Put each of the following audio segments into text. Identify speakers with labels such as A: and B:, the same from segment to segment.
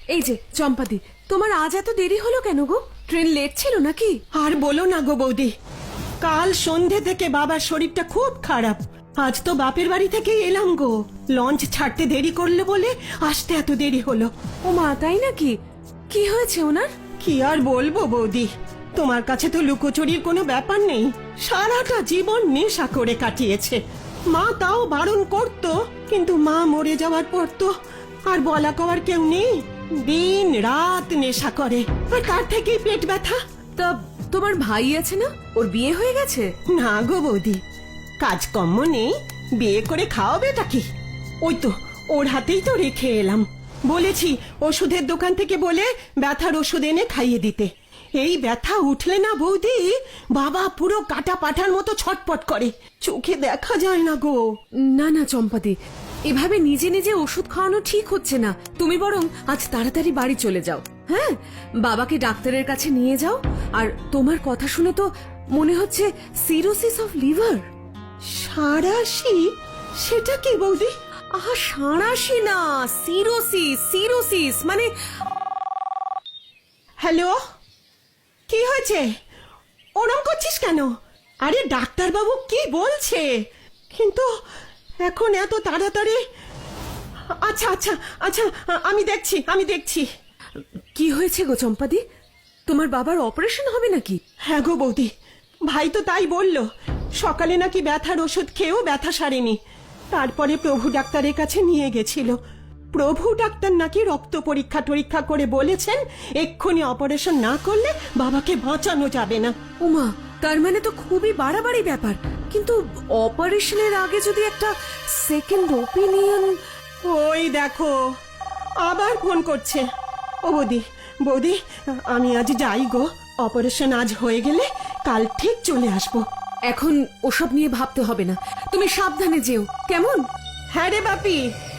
A: এই যে চম্পাদি, তোমার আজ এত দেরি হলো কেন গো? ট্রেন লেট ছিল নাকি?
B: আর বলো না গো বৌদি, কাল সন্ধে থেকে বাবার শরীরটা খুব খারাপ। আজ তো বাপের বাড়ি থেকে এলাম গো, লঞ্চ ছাড়তে দেরি করলে বলে আসতে এত দেরি হলো।
A: ও মা, তাই নাকি? কি হয়েছে ওনার?
B: কি আর বলবো বৌদি, তোমার কাছে তো লুকোচুরির কোনো ব্যাপার নেই। সারাটা জীবন নেশা করে কাটিয়েছে। মা তাও বারণ করতো, কিন্তু মা মরে যাওয়ার পর তো আর বলা কওয়ার কেউ নেই। দিন রাত নেশা করে, আর তার থেকেই পেট ব্যথা।
A: তা তোমার ভাই আছে না, ওর বিয়ে হয়ে গেছে?
B: না গো বৌদি, কাজকর্ম নেই, বিয়ে করে খাওয়াবেটা কি? ওই তো ওর হাতেই তো রেখে এলাম। বলেছি ওষুধের দোকান থেকে বলে ব্যথার ওষুধ এনে খাইয়ে দিতে। এই ব্যথা উঠলে না বৌদি, বাবা পুরো কাটা পাঠার মতো ছটপট করে, চোখে দেখা যায় না গো।
A: না না চম্পাদি, এভাবে নিজে নিজে ওষুধ খাওয়ানো ঠিক হচ্ছে না। তুমি বরং আজ তাড়াতাড়ি বাড়ি চলে যাও। হ্যাঁ, বাবাকে ডাক্তারের কাছে নিয়ে যাও। আর তোমার কথা শুনে তো মনে হচ্ছে সিরোসিস অফ লিভার।
B: সারাশি? সেটা কি বৌদি?
A: আহা, সাঁড়াশি না, সিরোসিস। সিরোসিস মানে...
B: হ্যালো, কি হয়েছে? ওরম করছিস কেন? আরে ডাক্তারবাবু কি বলছে? কিন্তু এখন এত তাড়াতাড়ি? আচ্ছা আচ্ছা আচ্ছা, আমি দেখছি।
A: কি হয়েছে গো চম্পাদি? তোমার বাবার অপারেশন হবে নাকি?
B: হ্যাঁ গো বৌদি, ভাই তো তাই বলল। সকালে নাকি ব্যথার ওষুধ খেয়েও ব্যথা সারেনি। তারপরে প্রভু ডাক্তারের কাছে নিয়ে গেছিল। প্রভু ডাক্তার নাকি রক্ত পরীক্ষা টরীক্ষা করে বলেছেন এক্ষুনি অপারেশন না করলে বাবাকে বাঁচানো যাবে না।
A: ওমা, তার মানে তো খুবই বাড়াবাড়ি ব্যাপার। কিন্তু অপারেশনের আগে যদি একটা সেকেন্ড ওপিনিয়ন...
B: ওই দেখো আবার ফোন করছে। ও বৌদি, আমি আজ যাই গো। অপারেশন আজ হয়ে গেলে কাল ঠিক চলে আসবো।
A: এখন ওসব নিয়ে ভাবতে হবে না, তুমি সাবধানে যেও, কেমন?
B: হ্যাঁ রে বাপি।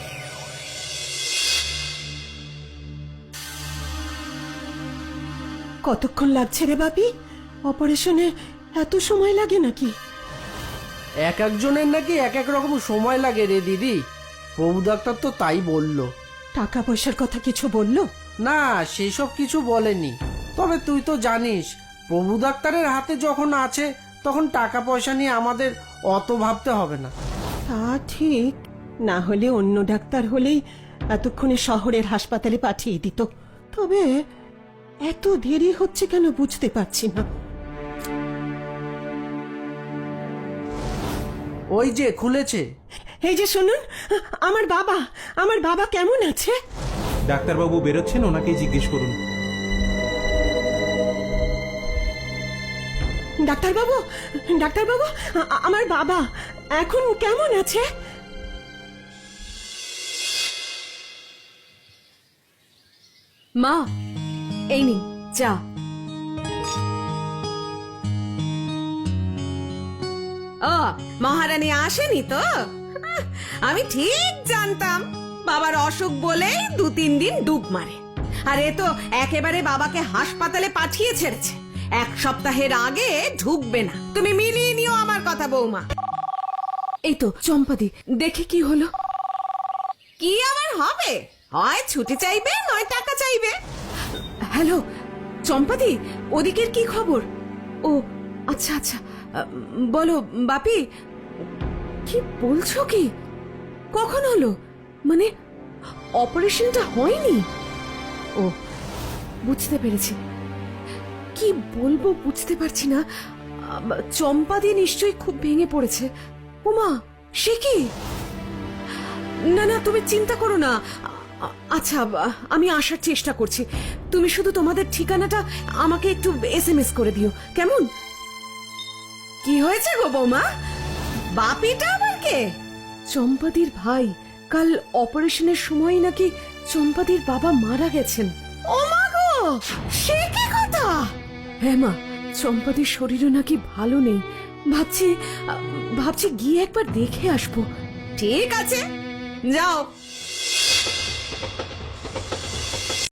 B: কতক্ষণ লাগছে রে বাপি? অপারেশনে এত সময় লাগে নাকি?
C: এক একজনের নাকি এক এক রকম সময় লাগে রে দিদি। প্রভু ডাক্তার তো তাই বলল।
B: টাকা পয়সার কথা কিছু বললো?
C: না, সেসব কিছু বলেনি। তবে তুই তো জানিস, প্রভু ডাক্তারের হাতে যখন আছে তখন টাকা পয়সা নিয়ে আমাদের অত ভাবতে হবে না।
B: তা ঠিক, না হলে অন্য ডাক্তার হলেই এতক্ষণে শহরের হাসপাতালে পাঠিয়ে দিত। তবে এত দেরি হচ্ছে কেন বুঝতে পারছি না।
C: ওই যে খুলেছে।
B: এই যে শুনুন, আমার বাবা কেমন আছে?
D: ডাক্তারবাবু বেরোচ্ছেন, ওনাকেই জিজ্ঞেস করুন।
B: ডাক্তারবাবু, আমার বাবা এখন কেমন আছে?
A: মা, এই নিন চা।
E: ও, মহারানী আসেনি তো? আমি ঠিক জানতাম বাবার অসুখ বলেই 2-3 দিন ডুব মারে। আর এ তো একেবারে বাবাকে হাসপাতালে পাঠিয়ে ছেড়েছে। 1 সপ্তাহের আগে ঢুকবে না। তুমি মিলিয়ে নিও আমার কথা বৌমা।
A: এই তো চম্পাদি, দেখে কি হলো?
E: কি আবার হবে? হয় ছুটি চাইবে, নয় টাকা চাইবে।
A: হ্যালো চম্পাদি, ওদিকের কি খবর? ও আচ্ছা আচ্ছা, বলো বাপি, কি বলছো? কি কখন হলো? মানে অপারেশনটা হয়নি? ও, বুঝতে পেরেছি। কি বলবো বুঝতে পারছি না। চম্পাদি নিশ্চয়ই খুব ভেঙে পড়েছে। ওমা, সে কি? না না, তুমি চিন্তা করো না। আচ্ছা, আমি আসার চেষ্টা করছি। তুমি শুধু তোমাদের ঠিকানাটা আমাকে একটু SMS করে দিও, কেমন?
E: কি হয়েছে গো বৌমা? বাপিটা আবার কে?
A: চম্পাদির ভাই। কাল অপারেশনের সময় নাকি চম্পাদির বাবা মারা গেছেন।
E: ও মা গো, সে কি কথা?
A: হ্যাঁ মা, চম্পাদির শরীরও নাকি ভালো নেই। ভাবছি গিয়ে একবার দেখে আসবো।
E: ঠিক আছে, যাও।